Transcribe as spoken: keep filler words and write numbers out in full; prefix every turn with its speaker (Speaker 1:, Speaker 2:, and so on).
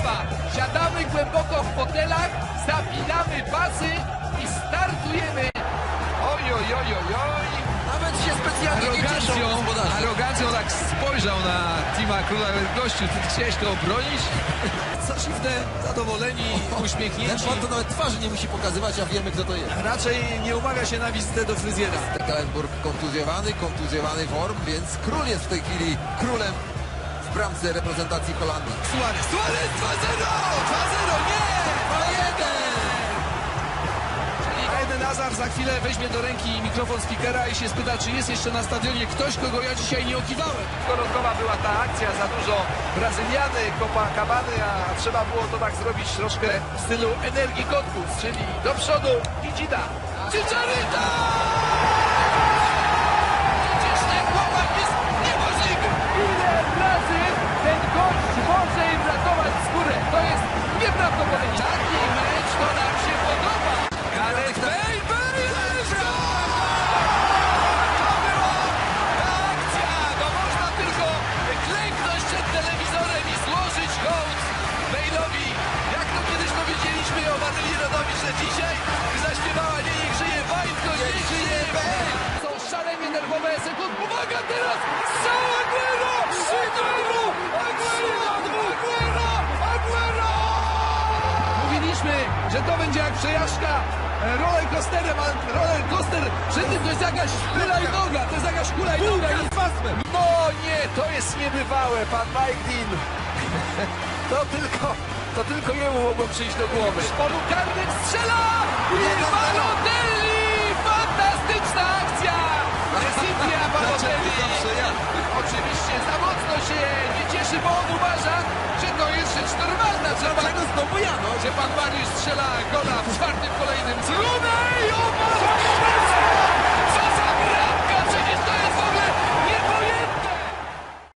Speaker 1: zabawa. Siadamy głęboko w fotelach, zapinamy pasy i startujemy. Oj, oj, oj, oj, oj.
Speaker 2: Nawet się specjalnie nie cieszą
Speaker 3: Arogancją,
Speaker 2: gospodarze.
Speaker 3: arogancją tak spojrzał na Tima Króla. Gościu, ty chciałeś to obronić?
Speaker 4: Zaszywne, zadowoleni,
Speaker 2: Ten
Speaker 4: uśmiechnięci.
Speaker 2: pan to nawet twarzy nie musi pokazywać, a wiemy, kto to jest.
Speaker 4: Raczej nie umaga się na wizytę do fryzjera.
Speaker 2: Kallenburg kontuzjowany, kontuzjowany form, więc Król jest w tej chwili królem w bramce reprezentacji Holandii.
Speaker 4: Suarez, Suarez dwa zero! dwa zero, nie! dwa jeden! Eden Hazard za chwilę weźmie do ręki mikrofon speakera i się spyta, czy jest jeszcze na stadionie ktoś, kogo ja dzisiaj nie okiwałem.
Speaker 1: Gorąkowa była ta akcja, za dużo Brazyliany, Copacabany, a trzeba było to tak zrobić troszkę w stylu energii kotków, czyli do przodu i dzida. Chicharito! Przecież ten chłopak jest niemożliwy! Ile razy ten gość może im ratować skórę? To jest nieprawdopodobne. Taki mecz to nam się podoba. Gareth Bale, Bale, to była ta akcja! No można tylko klęknąć przed telewizorem i złożyć hołd Bale'owi. Jak to kiedyś powiedzieliśmy o Maryli Rodowicz, że dzisiaj zaśpiewała nie niech żyje Bale, tylko niech żyje Bale. Są szalenie nerwowe sekundy. Uwaga teraz! Strzał Aguero! Aguero! Aguero! Aguero! Aguero! Mówiliśmy, że to będzie jak przejażdżka e, rollercoasterem, a rollercoaster przy tym to jest jakaś hulajnoga, to jest jakaś hulajnoga. i- No nie, to jest niebywałe, pan Mike Dean. To tylko, to tylko jemu mogło przyjść do głowy. Z polu karnym strzela i Balotelli! Fantastyczna akcja! Cynthia Balotelli! Oczywiście za mocno się nie cieszy, bo on uważa, że to jest rzecz normalna, że pan,
Speaker 4: Dlaczego znowu ja, no?
Speaker 1: że pan Mariusz strzela gola w czwartym kolejnym. Zróbmy